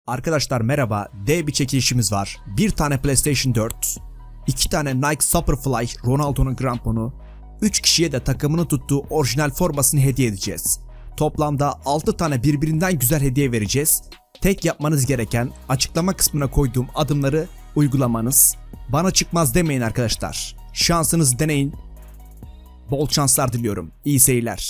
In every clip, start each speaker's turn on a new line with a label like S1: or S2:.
S1: Arkadaşlar merhaba, dev bir çekilişimiz var. Bir tane PlayStation 4, 2 tane Nike Superfly Ronaldo'nun kramponu, 3 kişiye de takımını tuttuğu orijinal formasını hediye edeceğiz. Toplamda 6 tane birbirinden güzel hediye vereceğiz. Tek yapmanız gereken açıklama kısmına koyduğum adımları uygulamanız. Bana çıkmaz demeyin arkadaşlar. Şansınızı deneyin. Bol şanslar diliyorum. İyi seyirler.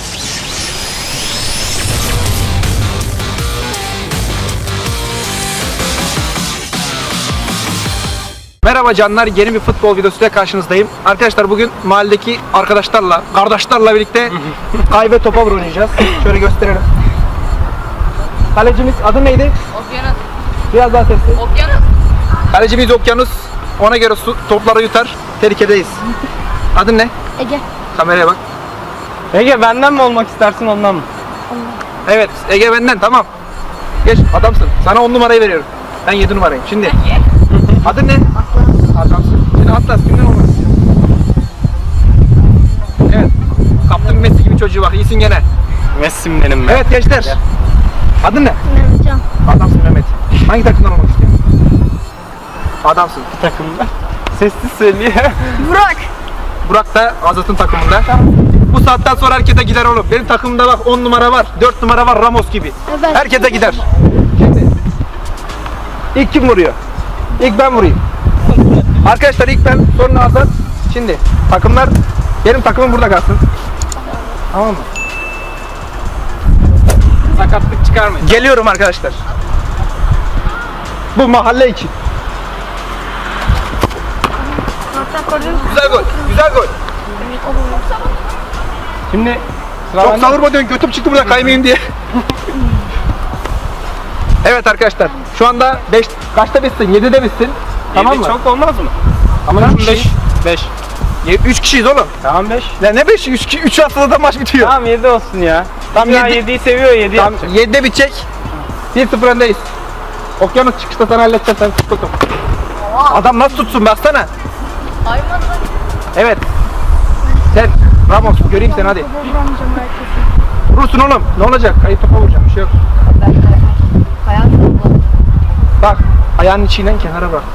S2: Merhaba canlar, yeni bir futbol videosuyla karşınızdayım. Arkadaşlar bugün mahalledeki arkadaşlarla, kardeşlerle birlikte kaybe topa oynayacağız. Şöyle gösterelim. Kalecimiz adı neydi?
S3: Okyanus.
S2: Biraz daha sesli.
S3: Okyanus.
S2: Kalecimiz Okyanus. Ona göre topları yutar. Tehlikedeyiz. Adın ne?
S3: Ege.
S2: Kameraya bak.
S4: Ege benden mi olmak istersin ondan mı?
S2: Evet, Ege benden, tamam. Geç, adamsın. Sana 10 numarayı veriyorum. Ben 7 numarayım. Şimdi. Adın ne? Atlas. Adamsın. Şimdi Atlas kimden olmak istiyor? Evet. Kaptın Messi gibi çocuğu var. İyisin gene.
S4: Messi'm benim ben.
S2: Evet gençler. Adın ne?
S3: Mehmetcan.
S2: Adamsın Mehmet. Hangi takımdan olmak istiyorsun? Adamsın.
S4: Takımda. Sessiz söylüyor.
S3: Burak.
S2: Burak da Azat'ın takımında. Bu saatten sonra herkese gider oğlum. Benim takımımda bak 10 numara var, 4 numara var, Ramos gibi.
S3: Evet.
S2: Herkese gider. Şimdi ilk kim vuruyor? İlk ben vurayım. Arkadaşlar ilk ben, sonra Azat. Şimdi takımlar, benim takımım burada kalsın. Tamam mı?
S4: Sakatlık çıkarmayın.
S2: Geliyorum arkadaşlar. Bu mahalle için. Güzel gol, güzel gol.
S4: Şimdi sıra
S2: Çok
S4: bende.
S2: savurma diyorsun, götüm çıktı burada kaymayayım diye. Evet arkadaşlar, şu anda 5, kaçta bitsin? 7'de bitsin. Tamam mı?
S4: Çok olmaz mı?
S2: Ama
S4: Tamam
S2: 3
S4: 5.
S2: kişi.
S4: 5.
S2: 3 kişiyiz oğlum.
S4: Tamam 5.
S2: Ya ne 5? 3 haftada maç bitiyor.
S4: Tamam 7 olsun ya.
S2: Tamam,
S4: Tamam
S2: yedi.
S4: 7'yi seviyor 7
S2: Tamam,
S4: yapacak.
S2: 7'de bitecek. 1-0 öndeyiz. Okyanus çıkışta sana halledeceğim, sen tut bakalım. Adam nasıl tutsun baksana. Evet. Sen Ramos göreyim seni hadi. Vurursun oğlum. Ne olacak? Kayıp topa vuracağım. Bir şey yok. Bak. Ayağının içinden kenara bak.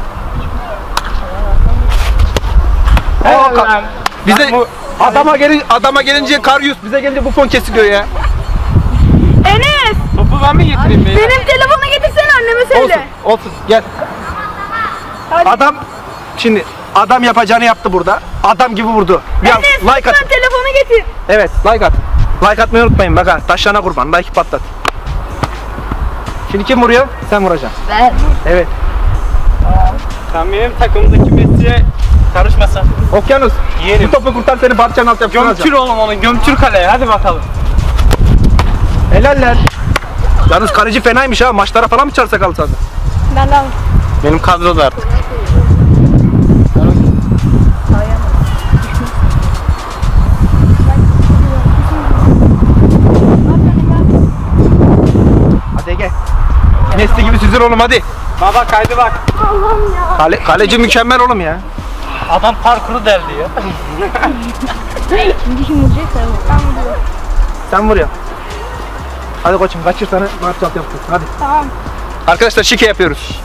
S4: Helal
S2: Aa,
S4: lan.
S2: Bize
S4: Ben bu-
S2: adama gelince Karyus, bize gelince Buffon kesiliyor ya.
S3: Enes.
S4: Topu ben mi getireyim beyler?
S3: Benim telefonu getirsene anneme
S2: Olsun.
S3: söyle.
S2: Olsun. Gel.
S3: Hadi.
S2: Adam şimdi adam yapacağını yaptı burada. Adam gibi vurdu. Ya
S3: Enes
S2: like
S3: lütfen
S2: at.
S3: telefonu getir.
S2: Evet, like at. Like atmayı unutmayın. Bak ha, taşlarına kurban. Like patlat. Şimdi kim vuruyor? Sen vuracaksın.
S3: Ben.
S2: Evet.
S4: Sen benim takımdaki Messi'ye karışmasan.
S2: Okyanus.
S4: Yerim.
S2: Bu topu kurtar, seni parçanın alt yapısına
S4: Gömçür
S2: alacağım.
S4: oğlum onu. Gömçür kaleye. Hadi bakalım.
S2: Helaller. Yalnız kaleci fenaymış ha. Maçlara falan mı çağırsak alsanız?
S3: Ben de aldım.
S4: Benim kadroda artık.
S2: Hadi Ege. Messi gibi süzül oğlum hadi.
S4: Baba kaydı bak.
S3: Allah'ım ya.
S2: Kaleci mükemmel oğlum ya.
S4: Adam parkuru deldi ya.
S3: Şimdi kim vuracak sen vur. Ben vuruyorum.
S2: Sen vuruyorsun. Hadi koçum kaçır sana maç alt yaptık. Hadi.
S3: Tamam.
S2: Arkadaşlar şike yapıyoruz.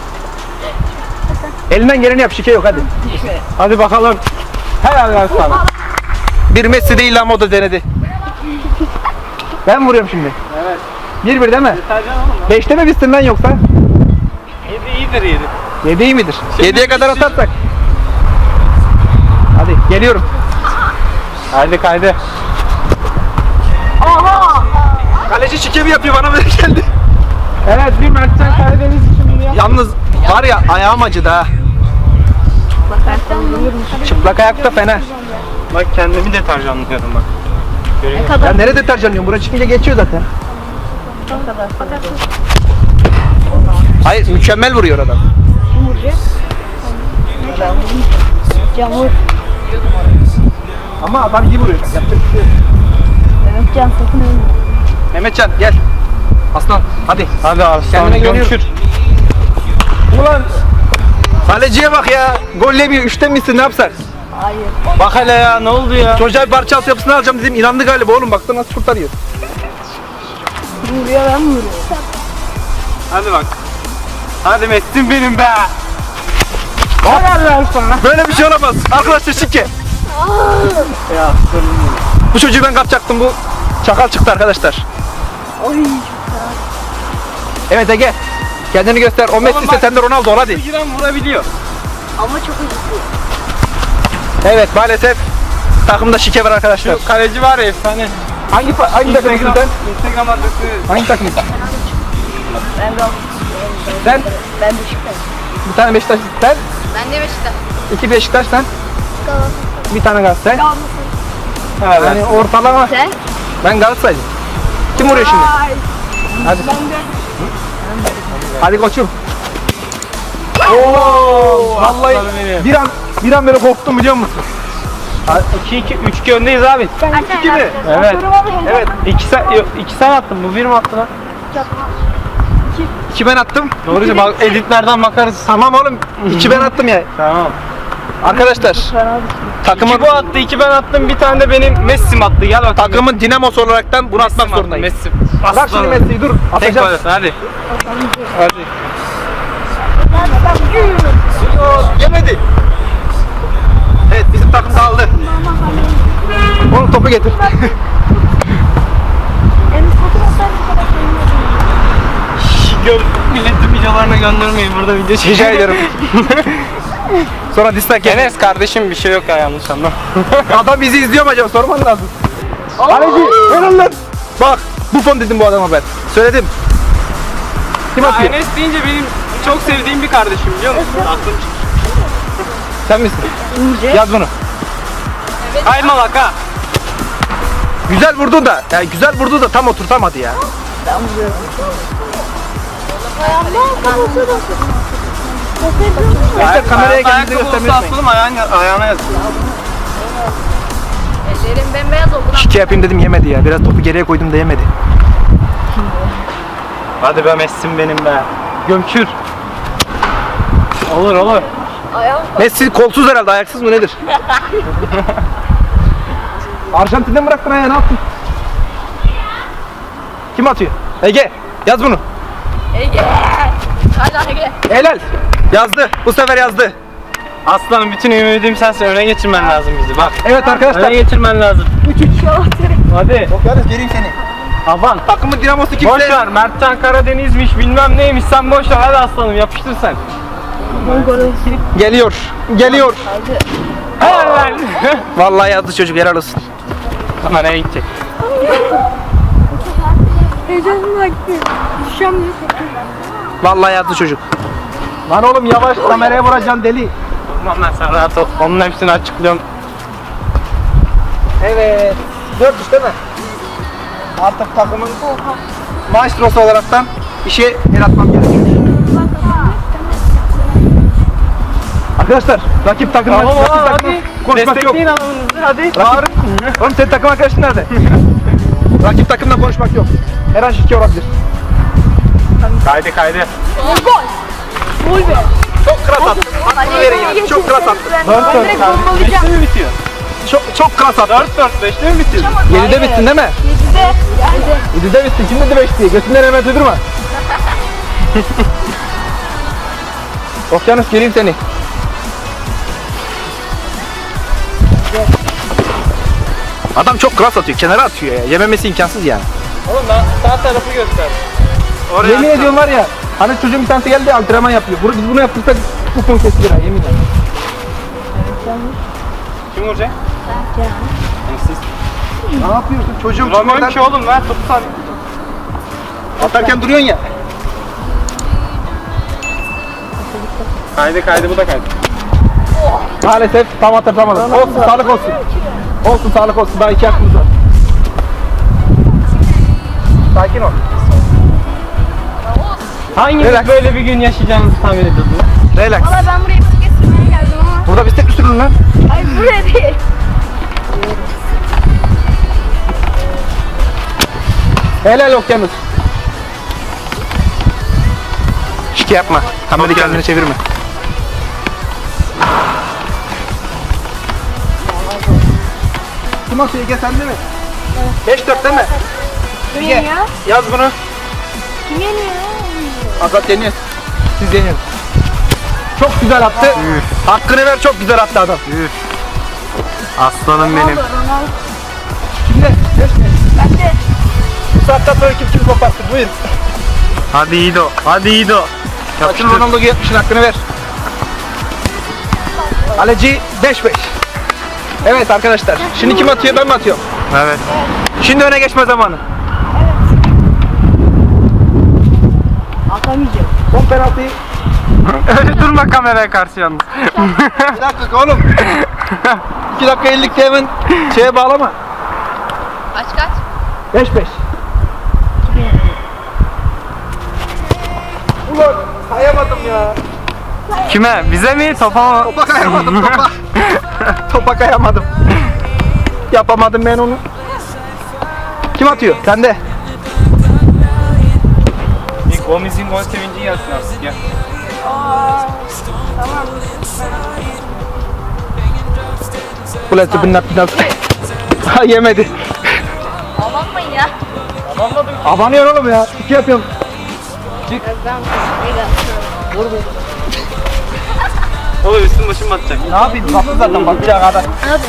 S2: Elinden geleni yap, şike yok hadi.
S4: Hadi bakalım. Helal lan sana.
S2: Bir Messi değil ama o da denedi. Ben vuruyorum şimdi.
S4: Evet.
S2: 1-1 değil mi?
S4: Sercan oğlum.
S2: 5'te mi bitsin lan yoksa?
S4: 7 iyidir 7.
S2: 7 iyi midir?
S4: Şimdi
S2: 7'ye kadar
S4: bitsin.
S2: atarsak. Hadi geliyorum.
S4: Haydi kaydı.
S3: Aha.
S2: Kaleci şike mi yapıyor, bana böyle geldi.
S4: Evet bir Mertcan Karadeniz için bunu yap.
S2: Yalnız var ya, ayağım acıdı ha.
S3: Bakarsan vururum.
S2: Çıplak ayakta fena.
S4: Bak kendimi deterjanlıyorum bak. Görüyor
S3: Ne
S4: musun?
S2: Ya
S3: kadar?
S2: nerede deterjan yiyorsun? Buraya çıkınca geçiyor zaten.
S3: Ne kadar? Bakarsın.
S2: Hayır, mükemmel vuruyor adam.
S3: Kim vuracak? Ben vurayım. Can vur.
S2: Ama adam iyi vuruyor. Yapacak bir şey yok.
S3: Mehmetcan sakın ölme.
S2: Mehmetcan gel. Aslan hadi.
S4: Hadi Arslan
S2: Kendine güveniyorum.
S4: gömçür.
S2: Ulan kaleciye bak ya. Gol yemiyor. 3'te misin, ne yapsak?
S3: Hayır.
S4: Bak hele ya ne oldu ya?
S2: Çocuğa bir parça alt yapısını alacağım dedim. İnandı galiba oğlum. Baksana nasıl kurtarıyor.
S3: Vuruyor ben vuruyorum.
S4: Hadi bak. Hadi Messi'm benim be. Helal lan sana.
S2: Böyle bir şey olamaz. Arkadaşlar şike.
S4: Ya
S2: Bu çocuğu ben kapacaktım, bu çakal çıktı arkadaşlar.
S3: Oy.
S2: Evet Ege. Kendini göster. O Messi ise
S4: bak.
S2: sen de Ronaldo ol hadi.
S4: giren vurabiliyor.
S3: Ama çok acıtıyor.
S2: Evet maalesef takımda şike var arkadaşlar.
S4: Şu kaleci var ya efsane.
S2: Hangi takımsın sen?
S4: Instagram adresi.
S2: Hangi takımsın?
S3: Ben de
S2: Sen
S3: ben Beşiktaş.
S2: bir tane Beşiktaş, sen
S3: Ben de Beşiktaş.
S2: iki Beşiktaş, sen bir tane Galatasaray.
S4: Evet.
S2: Yani ortalama.
S3: Sen?
S2: Ben Galatasaraylıyım. Kim vuruyor şimdi? Hadi. Hadi koçum. Oo, vallahi
S4: aslanım benim.
S2: bir an böyle korktum biliyor musun?
S4: 2-2-3-2 öndeyiz abi.
S2: İki mi?
S4: Evet.
S2: Evet.
S4: 2 sen attın. Bu 1 mi attı lan?
S2: İki ben attım.
S4: Doğruca bak editlerden bakarız.
S2: Tamam oğlum. İki ben attım ya.
S4: Tamam.
S2: Arkadaşlar. Takımın
S4: 2 bu attı, 2 ben attım. Bir tane de benim Messi'm attı. Gel bakalım.
S2: takımın dinamosu olaraktan bunu atmak zorundayım.
S4: Messi.
S2: Bırak şimdi Messi'yi dur.
S4: Tek
S2: Atacağım.
S4: gol at, hadi.
S2: Hadi. Yemedi. Evet bizim takım dağıldı. Oğlum topu getir.
S4: Milletin videolarına göndermeyin. Burada video
S2: Rica
S4: çekeceğim.
S2: ederim. Sonra dislike yeter.
S4: Enes kardeşim bir şey yok ya, yanlış anlama.
S2: Adam bizi izliyor mu acaba? Sorman lazım. Kaleci helal lan. Bak Buffon dedim bu adama ben. Söyledim. Kim atıyor?
S4: Enes deyince benim çok sevdiğim bir kardeşim, biliyor musun? Aklım çıktı.
S2: Sen misin? Yaz bunu.
S4: Kaymalak ha.
S2: Güzel vurdu da. Yani güzel vurdu da tam oturtamadı ya. İşte kameraya kendinizi
S4: Ayakkabı
S2: göstermeyi
S4: olsa
S2: unutmayın.
S4: asalım, ayağına yaz.
S3: Ellerim bembeyaz oldu.
S2: Şike yapayım dedim yemedi ya. Biraz topu geriye koydum da yemedi.
S4: Hadi be Messi'm benim be. Gömçür. Olur olur.
S3: Ayağım
S2: Messi kolsuz herhalde, ayaksız mı nedir? Arjantin'den bıraktın ayağı, ne yaptın? Kim atıyor? Ege yaz bunu.
S3: Ege. Hadi Ege.
S2: Helal. Yazdı. Bu sefer yazdı.
S4: Aslanım, bütün ümidim sensin. Öne geçirmen lazım bizi, bak.
S2: Evet arkadaşlar.
S4: Öne geçirmen lazım. Hadi.
S2: Yalnız geleyim seni.
S4: Aman.
S2: Takımın dinamosu
S4: Boş
S2: kimse.
S4: ver. Mertcan Karadeniz'miş, bilmem neymiş. Sen boş ver. Hadi aslanım, yapıştır sen.
S2: Geliyor. Geliyor.
S4: Helal.
S2: Vallahi yazdı çocuk, helal olsun.
S4: Ama nereye gidecek?
S3: Heyecanım aktı. Düşeceğim.
S2: Vallahi yazdı çocuk. Lan oğlum yavaş, kameraya vuracaksın deli.
S4: Tamam lan, sen rahat ol. Onun hepsini açıklıyorum.
S2: Evet. 4 değil mi? Artık takımın maestrosu olaraktan işe el atmam gerekiyor. Arkadaşlar rakip takımla
S4: Tamam
S2: rakip
S4: hadi.
S2: takımla konuşmak yok.
S4: Destekleyin adamınızı, hadi.
S2: Rakip, oğlum senin takım arkadaşın nerede? Rakip takımla konuşmak yok. Her an şike olabilir.
S4: Kaydı.
S3: Gol be.
S2: Çok klas attın. Hakkını verin ya. Çok klas attın.
S4: 4-4 kardeşim. 5'te mi bitiyor?
S2: Çok klas attın.
S4: 4-4, 5'te mi bitiyor?
S2: 7'de bittin değil mi? 7'de bittin. Kim dedi 5 diye? Götünden hemen uydurma. Okyanus geleyim seni. Adam çok klas atıyor. Kenara atıyor ya. Yememesi imkansız yani.
S4: Oğlum ben sağ tarafı göster. Oraya
S2: Yemin ediyorum var ya. Hani çocuğun bir tanesi geldi antrenman yapıyor. Biz bunu yaptırsak bu konu kesilir ha, yemin ederim.
S4: Kim vuracak? Siz.
S2: Ne yapıyorsun çocuğum?
S4: Duramıyorum ki oğlum, ver topu sen.
S2: Atarken duruyorsun ya.
S4: Kaydı, bu da kaydı.
S2: Maalesef tam atamadım. Olsun, sağlık olsun. Olsun, sağlık olsun. Daha 2 hakkımız var. Sakin ol.
S4: Hanginiz
S2: Relax.
S4: böyle bir gün yaşayacağınızı tahmin ediyordunuz?
S2: Relax.
S3: Valla ben buraya bisiklet sürmeye geldim ama.
S2: Burada bisiklet mi sürün lan?
S3: Ay buraya değil.
S2: Helal okyanus. Şike yapma. Kamerayı kendine çevirme. Kim atıyor Ege, sende mi? Evet. 5-4 değil mi?
S3: Kim yeniyor?
S2: Yaz bunu.
S3: Kim yeniyor?
S2: Azat yeniyor. Siz yeniyorsunuz. Çok güzel attı. Hakkını ver, çok güzel attı adam.
S4: Aslanım benim.
S3: Ronaldo, Ronaldo.
S2: Kimde?
S3: Ben de.
S2: Bu saatten sonra kim koparsın? Buyur.
S4: Hadi Yiğido. Hadi Yiğido.
S2: Açın Ronaldo'yu 70'in hakkını ver. Kaleci 5-5. Evet arkadaşlar. Şimdi kim atıyor, ben mi atıyorum?
S4: Evet.
S2: Şimdi öne geçme zamanı.
S3: Atamayacağım.
S2: Son penaltıyı.
S4: Öyle durma kameraya karşı yalnız.
S2: Bir dakika oğlum. 2 dakika 50'likte hemen şeye bağlama.
S3: Kaç?
S2: 5-5. Ulan kayamadım ya.
S4: Kime? Bize mi? Topa mı?
S2: Topa kayamadım topa. Topa kayamadım. Yapamadım ben onu. Kim atıyor? Sen de.
S4: Gomez'in gol sevincini yapsın artık ya.
S2: Ulan tıbından biraz. Ha yemedi.
S3: Alanmayın ya.
S2: Abanıyor oğlum ya. İki yapıyorum.
S4: Oğlum üstüm başım batacak.
S2: Ne yapayım? Baktı zaten bakacağı kadar.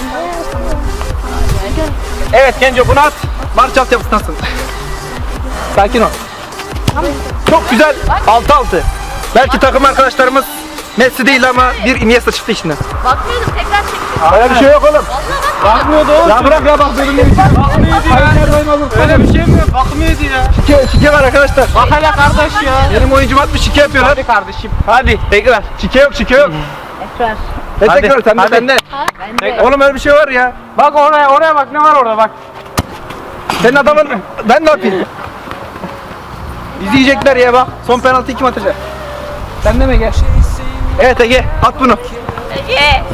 S2: Evet Genco bunu at. Marş altyapısındasın. Sakin ol. Çok güzel. 6-6. Belki takım arkadaşlarımız Messi değil ama bir Iniesta çıktı içinden.
S3: Bakmıyordum, tekrar çektim.
S2: Öyle bir şey yok oğlum.
S4: Bakmıyordu oğlum.
S2: Ya bırak ya bak benim ne biçim.
S4: Bakmıyordu ya. Öyle bir şey mi yok? Bakmıyordu ya.
S2: Şike var arkadaşlar.
S4: Bak hele kardeş ya.
S2: Benim oyuncum atmış şike yapıyorlar.
S4: Hadi kardeşim. Hadi tekrar.
S2: Şike yok şike yok.
S3: Tekrar.
S2: Ne
S4: Hadi,
S2: tekrar sen de
S4: hadi.
S2: sende.
S3: Ben de.
S2: Oğlum öyle bir şey var ya.
S4: Bak oraya bak ne var orada bak.
S2: Senin adamın ben ne yapayım? İzleyecekler ya bak. Son penaltıyı kim atacak? Sen de mi Ege? Evet Ege at bunu.
S3: Ege.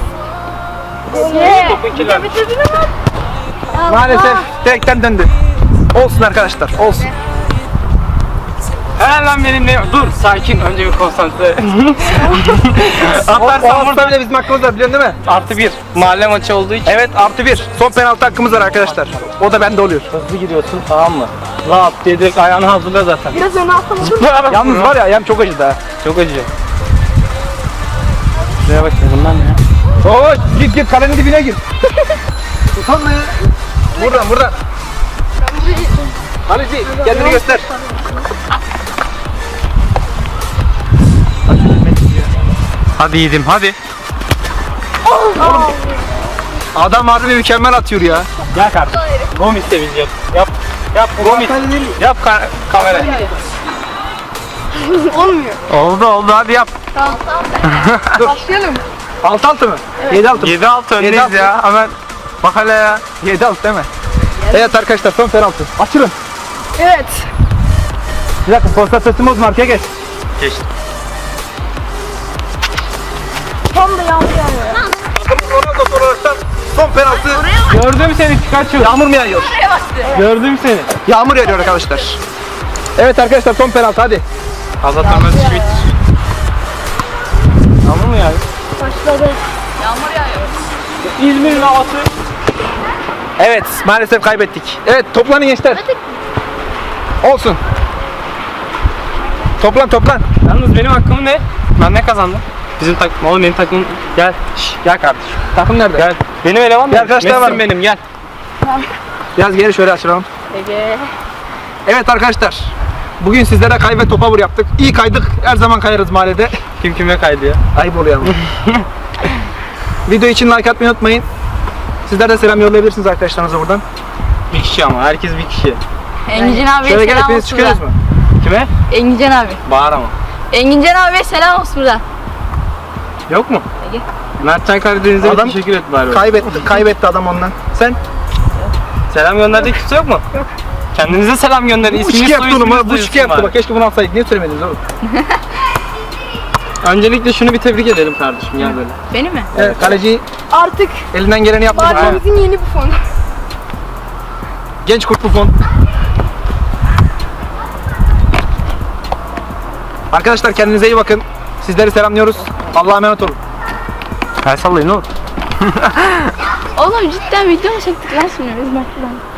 S3: Ege. Bitirdin ama.
S2: Maalesef direkten döndü. Olsun arkadaşlar olsun.
S4: Helal lan benimle. Dur sakin önce bir konsantre.
S2: O
S4: Atarsan
S2: hafta
S4: burada
S2: bile bizim hakkımız var biliyorsun değil mi?
S4: +1. Mahalle maçı olduğu için.
S2: Evet +1. Son penaltı hakkımız var arkadaşlar. O da bende oluyor.
S4: Hızlı gidiyorsun tamam mı? Rahat diye direkt ayağını hazırla zaten.
S3: Biraz öne atalım.
S2: Yalnız var ya ayağım çok acıdı ha.
S4: Çok acıyor. Şuraya bak şimdi bunlar ne ya?
S2: Oo git kalenin dibine gir. Utanma ya. Buradan. Kaleci kendini göster.
S4: Hadi yedim hadi.
S2: Adam harbi mükemmel atıyor ya.
S4: Gel kardeşim. Gomis de biz yap. Yap Gomis. Yap kamera.
S3: Olmuyor.
S4: Oldu hadi yap.
S3: Tamam. Başlayalım.
S2: 6-6 mı? 7-6.
S4: 7-6 öndeyiz
S2: 7-6.
S4: ya. Hemen bak hele ya.
S2: 7-6 değil mi? Evet arkadaşlar son penaltı. Açılın.
S3: Evet.
S2: Bir dakika konsantrasyon bozma arkaya geç.
S4: Geçti.
S3: Tam da yağmur yağıyor.
S2: Ronaldo olaraktan son penaltı.
S4: Gördüm seni Pikachu.
S2: Yağmur mu yağıyor?
S3: Oraya bastı.
S4: Gördüm seni.
S2: Yağmur yağıyor arkadaşlar. Evet arkadaşlar son penaltı hadi.
S4: Azat Ömez işi bitir. Yağmur mu yani?
S3: Başladı. Yağmur yağıyor.
S4: İzmir'in havası.
S2: Evet maalesef kaybettik. Evet toplanın gençler. Olsun. Toplan.
S4: Yalnız benim hakkım ne? Ben ne kazandım? Bizim takım. Oğlum benim takım. Gel. Gel kardeşim.
S2: Takım nerede?
S4: Gel. Benim eleman
S2: Bir
S4: mı?
S2: arkadaşlar var
S4: Messi'm
S2: mı?
S4: benim gel.
S2: Biraz geri şöyle açalım.
S3: Ege.
S2: Evet arkadaşlar. Bugün sizlere kay ve topa vur yaptık. İyi kaydık. Her zaman kayarız mahallede.
S4: Kim kime kaydı ya?
S2: Ayıp oluyor ama. Video için like atmayı unutmayın. Sizler de selam yollayabilirsiniz arkadaşlarınıza buradan.
S4: Bir kişi ama. Herkes bir kişi.
S3: Engincan abiye
S2: Şöyle gel
S3: selam
S2: hepiniz
S3: olsun
S2: çıkıyoruz
S3: buradan.
S2: mu?
S4: Kime?
S3: Engincan abi.
S4: Bağır ama.
S3: Engincan abiye selam olsun buradan.
S4: Yok mu?
S3: Ege.
S4: Mertcan Karadeniz'e
S2: Adam
S4: teşekkür et bari.
S2: Kaybetti adam ondan. Sen?
S4: Selam gönderdiği kimse yok mu? Kendinize selam gönderin.
S2: Bu
S4: İsminiz
S2: şike yaptı oğlum ha.
S4: soyisminiz
S2: Bu şike yaptı
S4: duyulsun
S2: bak. Keşke bunu alsaydık. Niye söylemediniz oğlum?
S4: bari. Öncelikle şunu bir tebrik edelim kardeşim gel böyle.
S3: Beni mi?
S2: Evet kaleci
S3: Artık
S2: elinden geleni yaptı.
S3: mahallemizin yeni bufonu.
S2: Genç Kurt Buffon. Arkadaşlar kendinize iyi bakın. Sizleri selamlıyoruz. Allah'a emanet olun.
S4: El sallayın oğlum.
S3: Oğlum cidden video mu çektik lan şimdi biz maçtan?